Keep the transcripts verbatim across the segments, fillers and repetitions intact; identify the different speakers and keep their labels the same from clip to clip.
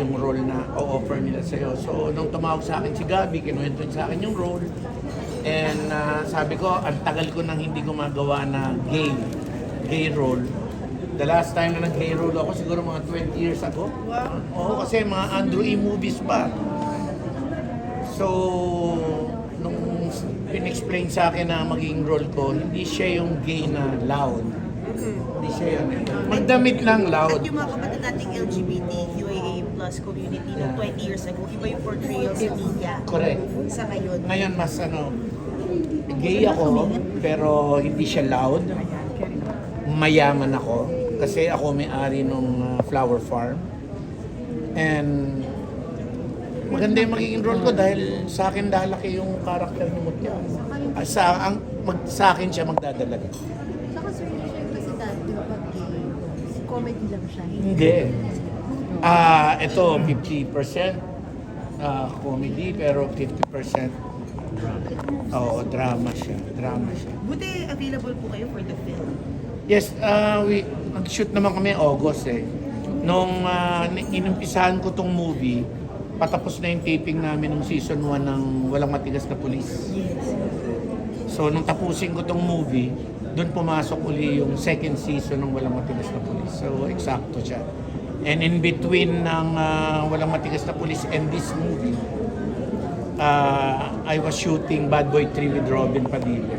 Speaker 1: yung role na o-offer nila sa'yo. So, nung tumawag sa akin si Gabi, kinuwento niya sa akin yung role. And uh, sabi ko, ang tagal ko nang hindi gumagawa na gay, gay role. The last time na nag-gay role ako, siguro mga twenty years ago.
Speaker 2: Wow.
Speaker 1: Oo, kasi mga Andrew E. movies pa. So, nung pinexplain sa akin na maging role ko, hindi siya yung gay na loud. Hindi siya yun. eh. Magdamit lang loud.
Speaker 2: At yung mga kapatid nating L G B T Q A A plus community
Speaker 1: Yeah.
Speaker 2: noong twenty years ago, iba yung portrayal sa media.
Speaker 1: Correct.
Speaker 2: Sa ngayon.
Speaker 1: Ngayon mas ano, gay ako, pero hindi siya loud. Mayaman ako, kasi ako may-ari ng flower farm. And maganda yung magiging role ko dahil sa akin lalaki yung karakter ni Mutya. Ah, Sa, ang, mag, sa akin siya magdadalaga.
Speaker 3: Saka sir, siya kasi dati pag gay, comedy lang siya.
Speaker 1: Hindi. Ah, ito fifty percent ah, comedy pero fifty percent Oo, drama siya. Drama siya.
Speaker 2: Buti available po kayo for the film.
Speaker 1: Yes, uh, we nag-shoot naman kami August eh. Nung uh, inumpisahan ko tong movie, patapos na yung taping namin ng season one ng Walang Matigas na Pulis.
Speaker 2: Yes.
Speaker 1: So nung tapusin ko tong movie, doon pumasok uli yung second season ng Walang Matigas na Pulis. So eksakto siya. And in between ng uh, Walang Matigas na Pulis and this movie, uh, I was shooting Bad Boy three with Robin Padilla.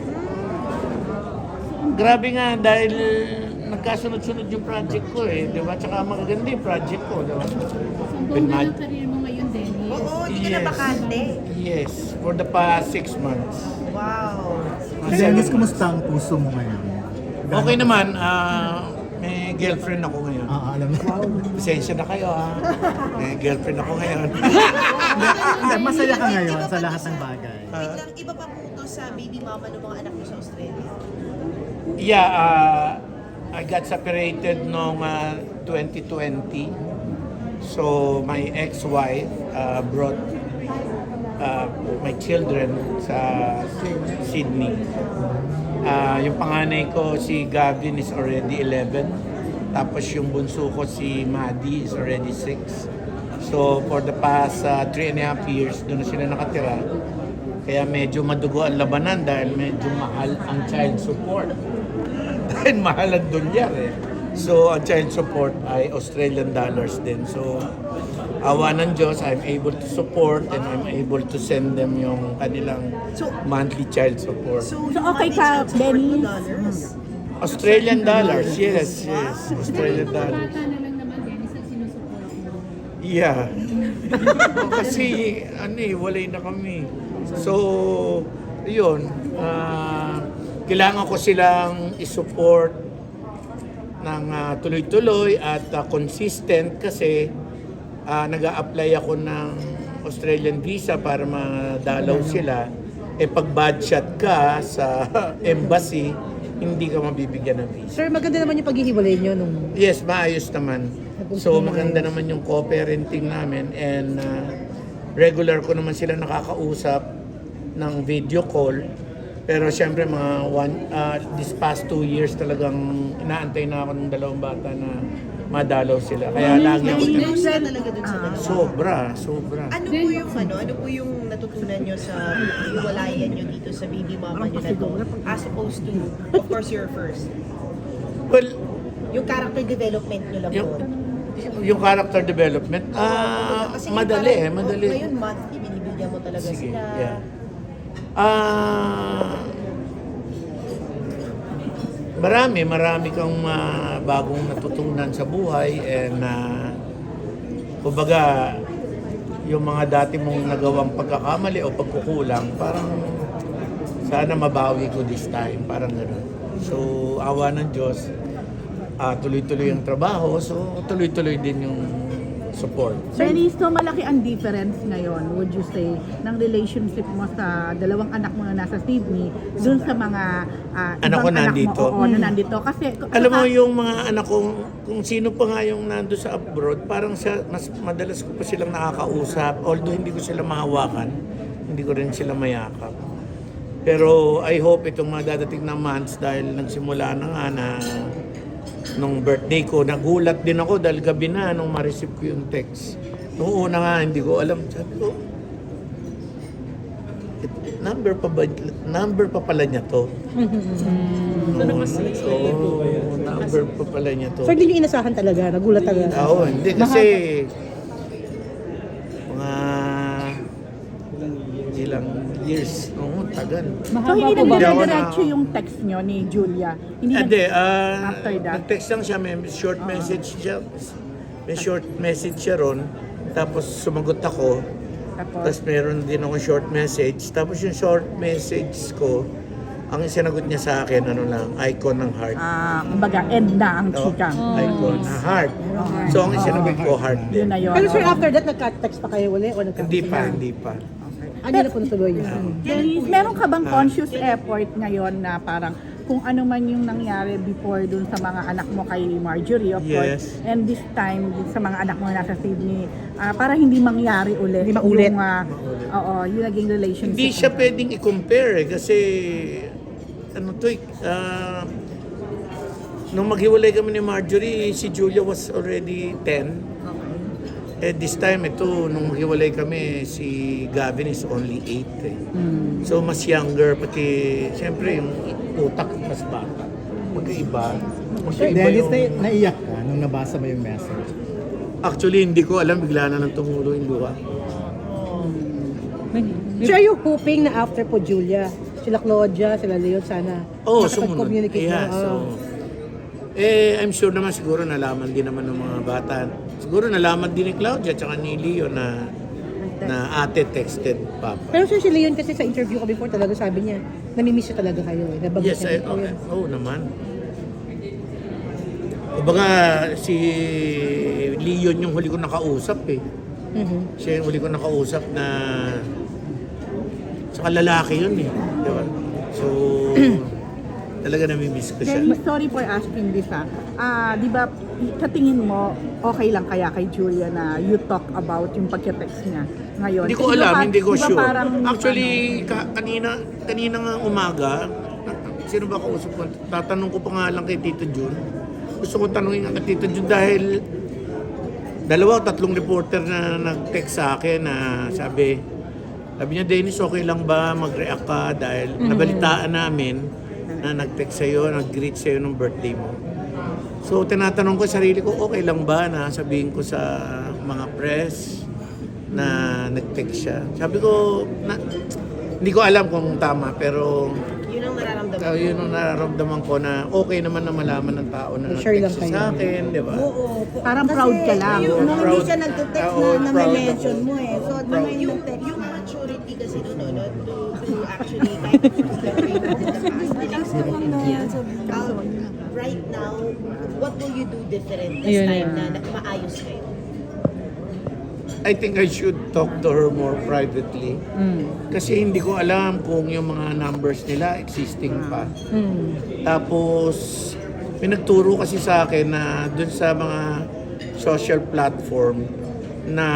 Speaker 1: Grabe nga dahil nagkasunod-sunod yung project ko eh, di ba? Tsaka magaganda yung project ko, di ba?
Speaker 3: So,
Speaker 1: With
Speaker 3: buong na
Speaker 1: Mad-
Speaker 3: yung career mo ngayon, Dennis.
Speaker 2: Oo, hindi ka na bakante.
Speaker 1: Yes, for the past six months.
Speaker 2: Wow.
Speaker 1: Mga
Speaker 4: Dennis,
Speaker 1: seven months.
Speaker 4: kumusta ang puso mo ngayon?
Speaker 1: Okay naman, ah, may girlfriend ako ngayon.
Speaker 4: Ah, alam mo.
Speaker 1: Pasensya na kayo ha. May girlfriend ako ngayon.
Speaker 4: Hindi, masaya ka ngayon sa lahat ng bagay.
Speaker 2: Wait lang, iba pa po ito sa baby mama ng mga anak mo sa Australia.
Speaker 1: Yeah, uh, I got separated noong uh, twenty twenty. So my ex-wife uh, brought uh, my children sa Sydney. Uh, yung panganay ko, si Gavin is already eleven. Tapos yung bunso ko, si Maddie is already six. So for the past uh, three and a half years, doon na sila nakatira. Kaya medyo madugo ang labanan dahil medyo mahal ang child support. Dahil mahal ang dolyar eh. So ang child support ay Australian dollars din. So awa ng Diyos, I'm able to support and I'm able to send them yung kanilang
Speaker 2: So-
Speaker 1: monthly child support.
Speaker 2: So,
Speaker 3: So,
Speaker 2: yung
Speaker 3: okay
Speaker 2: monthly
Speaker 3: ka,
Speaker 2: child support mo
Speaker 3: Dennis?
Speaker 2: dollars.
Speaker 1: Australian dollars, yes, yes. Australian
Speaker 3: Dahil mga
Speaker 1: dollars.
Speaker 3: bata na lang naman, Dennis, ang sinusupport mo.
Speaker 1: Yeah. Kasi ano eh, walay na kami. So, yun. ah, kailangan ko silang isupport ng ah, tuloy-tuloy at ah, consistent kasi ah, nag-a-apply ako ng Australian visa para madalaw sila. Eh pag bad shot ka sa embassy, hindi ka mabibigyan ng visa.
Speaker 5: Sir, maganda naman yung paghihiwalay nyo nung...
Speaker 1: Yes, maayos naman. So maganda naman yung co-parenting namin and uh, regular ko naman sila nakakausap ng video call. Pero siyempre mga one, uh, this past two years talagang inaantay na ako ng dalawang bata na madalaw sila. Kaya lagi ako
Speaker 2: Nag-involve sila talaga dun sa bansa.
Speaker 1: sobra, sobra.
Speaker 2: Ano po yung ano, ano po yung natutunan nyo sa hiwalayan nyo dito sa baby mama nyo na to? As opposed to, of course, your first.
Speaker 1: Well,
Speaker 2: Yung character development nyo lang
Speaker 1: yung,
Speaker 2: po.
Speaker 1: yung character development, ah,
Speaker 2: Kasi
Speaker 1: madali eh,
Speaker 2: parang,
Speaker 1: madali.
Speaker 2: oh, ngayon monthly, binibigyan mo talaga
Speaker 1: Sige,
Speaker 2: sila.
Speaker 1: yeah. Ah, marami, marami kang ah, bagong natutunan sa buhay and uh, kumbaga yung mga dati mong nagawang pagkakamali o pagkukulang, parang sana mabawi ko this time, parang gano'n. So, awa ng Diyos, ah, tuloy-tuloy ang trabaho, so tuloy-tuloy din yung support.
Speaker 5: Dennis, so malaki ang difference ngayon, would you say, ng relationship mo sa dalawang anak mo na nasa Sydney dun sa mga ah,
Speaker 1: Anak ko
Speaker 5: ibang
Speaker 1: nandito.
Speaker 5: Mo, oo, na nandito. Kasi,
Speaker 1: Alam mo
Speaker 5: saka-
Speaker 1: yung mga anak kong, kung sino pa nga yung nando sa abroad, parang siya, mas madalas ko pa silang nakakausap. Although hindi ko sila mahawakan, hindi ko rin sila mayakap. Pero I hope itong mga dadating na months dahil nagsimula na nga na nung birthday ko, nagulat din ako dahil gabi na nung ma-receive ko yung text. Noong una nga, hindi ko alam. Sabi ko, "It- number pa ba, number pa pala niya to.
Speaker 2: So, mas unexpected po ba yun?
Speaker 1: Oo, number pa pala niya to.
Speaker 6: So hindi nyo inasahan talaga, nagulat talaga.
Speaker 1: Oo, hindi kasi mga ilang years. Oo, tagal.
Speaker 5: So,
Speaker 3: Mahaba
Speaker 5: hindi
Speaker 3: po ba?
Speaker 1: Hindi ako
Speaker 5: nagdiretso
Speaker 1: na-
Speaker 5: yung text nyo ni Julia? Hindi nag-
Speaker 1: Hindi, ah,
Speaker 5: After that?
Speaker 1: nag-text lang siya, may short message siya. May short message siya ron. Tapos sumagot ako.
Speaker 5: Tapos,
Speaker 1: Tapos meron din ako short message. Tapos yung short message ko, ang sinagot niya sa akin, ano lang, icon ng heart.
Speaker 5: ah, kumbaga, end na ang
Speaker 1: No?
Speaker 5: chikang.
Speaker 1: Icon na heart. So ang sinagot ko, heart
Speaker 5: Yun
Speaker 1: din.
Speaker 5: na yun.
Speaker 6: Pero sir,
Speaker 5: Oo.
Speaker 6: after that, nagka-text pa kayo uli o nagka
Speaker 1: Hindi pa, hindi pa.
Speaker 6: Ano na po natuloy yun?
Speaker 5: Denise, meron ka bang conscious effort ngayon na parang kung ano man yung nangyari before dun sa mga anak mo kay Marjorie, of course,
Speaker 1: Yes.
Speaker 5: and this time dun sa mga anak mo na nasa Sydney, ah, para hindi mangyari ulit
Speaker 6: Hindi maulit.
Speaker 5: yung, ah, oo, yung naging relationship.
Speaker 1: Hindi siya pwedeng i-compare eh, kasi ano to eh, ah, nung maghiwalay kami ni Marjorie, si Julia was already ten. Eh this time ito, nung maghiwalay kami, si Gavin is only eight eh. So mas younger, pati siyempre yung utak mas bata. Magkaiba. Magkaiba
Speaker 4: Dennis, na,
Speaker 1: yung...
Speaker 4: naiyak ka nung nabasa mo yung message.
Speaker 1: Actually, hindi ko alam, bigla na nang tumulo yung luha.
Speaker 6: So are you hoping na after po Julia, sila Claudia, sila Leo, sana
Speaker 1: Oo, sumunod.
Speaker 6: makapag-communicate
Speaker 1: Yeah,
Speaker 6: na?
Speaker 1: so,
Speaker 6: Oh.
Speaker 1: eh, I'm sure naman siguro nalaman din naman ng mga bata. Siguro nalaman din ni Claudia at ni Leo na na ate texted Papa.
Speaker 6: Pero sir, si Leon kasi sa interview ko before talaga sabi niya, namimiss siya talaga kayo eh. Nabanggit
Speaker 1: Yes,
Speaker 6: niya
Speaker 1: I,
Speaker 6: dito
Speaker 1: okay.
Speaker 6: yun.
Speaker 1: Oo naman. Kumbaga, si Leon yung huli ko nakausap eh.
Speaker 6: Mhm.
Speaker 1: Siya yung huli ko nakausap na sa lalaki yun eh. Di ba? So, talaga namimiss ko siya.
Speaker 5: Denise, sorry for asking this ah. Ah, di ba, sa tingin mo, okay lang kaya kay Julia na you talk about yung pagka-text niya ngayon?
Speaker 1: Hindi ko
Speaker 5: Di ba
Speaker 1: alam,
Speaker 5: pa-
Speaker 1: hindi ko
Speaker 5: di ba
Speaker 1: sure.
Speaker 5: parang,
Speaker 1: Actually,
Speaker 5: ano,
Speaker 1: ka- kanina, kanina nga umaga, sino ba kausap ko? Tatanong ko pa nga lang kay Tito Jun. Gusto ko tanungin nga kay Tito Jun dahil dalawa o tatlong reporter na nag-text sa akin na sabi, sabi niya, Dennis, okay lang ba mag-react ka dahil nabalitaan namin na nag-text sa'yo, nag-greet sa'yo ng birthday mo. So, tinatanong ko sa sarili ko, okay lang ba na sabihin ko sa mga press na nag-text siya. Sabi ko, na, hindi ko alam kung tama, pero
Speaker 2: Yun ang nararamdaman
Speaker 1: uh, yun ang nararamdaman ko na okay naman na malaman ng tao na
Speaker 6: Share lang
Speaker 1: nag-text
Speaker 6: kayo.
Speaker 1: sa akin, di ba?
Speaker 3: Oo.
Speaker 5: Parang proud ka lang.
Speaker 3: Yung, nung
Speaker 1: Proud.
Speaker 3: hindi siya nagte-text
Speaker 1: Oo,
Speaker 3: na, na
Speaker 1: proud
Speaker 3: may mention
Speaker 1: ako.
Speaker 3: mo eh. So,
Speaker 1: Proud.
Speaker 3: naman yung
Speaker 2: yung,
Speaker 3: nag-text
Speaker 2: yung
Speaker 3: na.
Speaker 2: maturity kasi doon, no, to, to actually kind of celebrate the past. Um, right now, what will you do different this
Speaker 7: Ayun,
Speaker 2: time
Speaker 7: ayun.
Speaker 2: na, na maayos kayo?
Speaker 1: I think I should talk to her more privately. Kasi hindi ko alam kung yung mga numbers nila existing pa. Tapos, may nagturo kasi sa akin na dun sa mga social platform na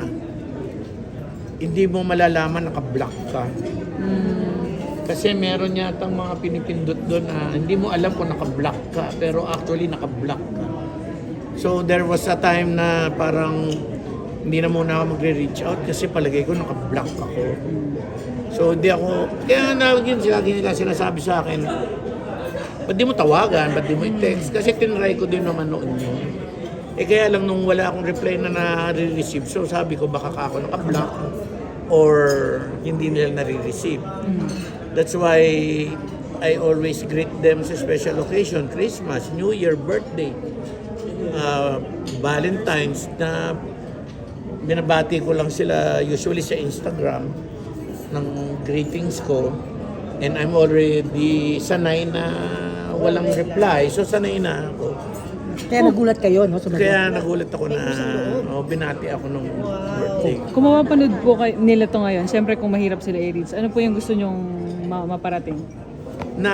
Speaker 1: hindi mo malalaman naka-block ka. Kasi meron yatang mga pinipindot doon na hindi mo alam kung naka-block ka, pero actually naka-block ka. So there was a time na parang hindi na muna ako magre-reach out kasi palagay ko naka-block ako. So hindi ako, kaya naging sila nila sinasabi sa akin, ba't di mo tawagan, ba't di mo i-text? Kasi tinry ko din naman noon yun. Eh kaya lang nung wala akong reply na na-receive, so sabi ko baka ka ako naka-block or hindi nila nare-receive. That's why I always greet them sa special occasion, Christmas, New Year, birthday, uh, Valentine's, na binabati ko lang sila usually sa Instagram ng greetings ko. And I'm already sanay na walang reply, so sanay na ako.
Speaker 6: Kaya nagulat kayo, no? Sumagot.
Speaker 1: Kaya nagulat ako na oh, binati ako nung birthday.
Speaker 7: Kung mapapanood po kay, nila to ngayon, syempre kung mahirap sila i-reach, ano po yung gusto nyong ma- maparating?
Speaker 1: Na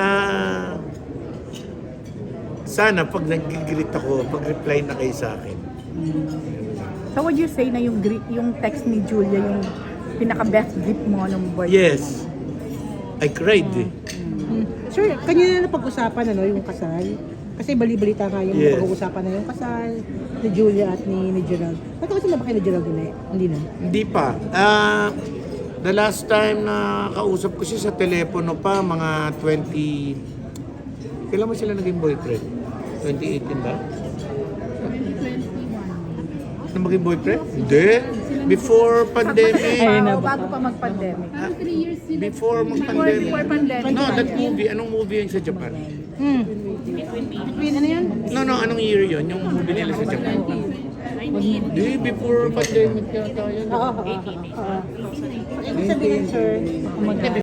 Speaker 1: sana pag nag-greet ako, pag-reply na kayo sa akin.
Speaker 5: So would you say na yung greet, yung text ni Julia yung pinaka-best gift mo nung birthday
Speaker 1: Yes. I cried eh.
Speaker 6: Hmm. Sir, kanina na pag-usapan ano, yung kasal. Kasi bali-balita nga yung
Speaker 1: Yes.
Speaker 6: pag-uusapan na yung kasal. ni Julia at ni, ni Gerald. Nagkausap na ba kayo ni Gerald din eh? Hindi na.
Speaker 1: Hindi pa. Ah, the last time na kausap ko siya sa telepono pa, mga twenty... Kailan mo sila naging boyfriend? twenty eighteen ba? Na maging boyfriend? Hindi. Before pandemic.
Speaker 7: Ayun na
Speaker 5: Oo,
Speaker 7: ba?
Speaker 5: bago pa mag-pandemic.
Speaker 1: Before
Speaker 5: Before,
Speaker 1: mag-pandemic.
Speaker 5: before pandemic.
Speaker 1: No, that movie. Anong movie yun sa Japan?
Speaker 6: Hmm.
Speaker 5: Between ano yan?
Speaker 1: No, no. Anong year yun? Yung movie nila sa Japan? Hindi. Before pandemic yata yun.
Speaker 6: Oo, oo, oo. Ibig sabihin, sir,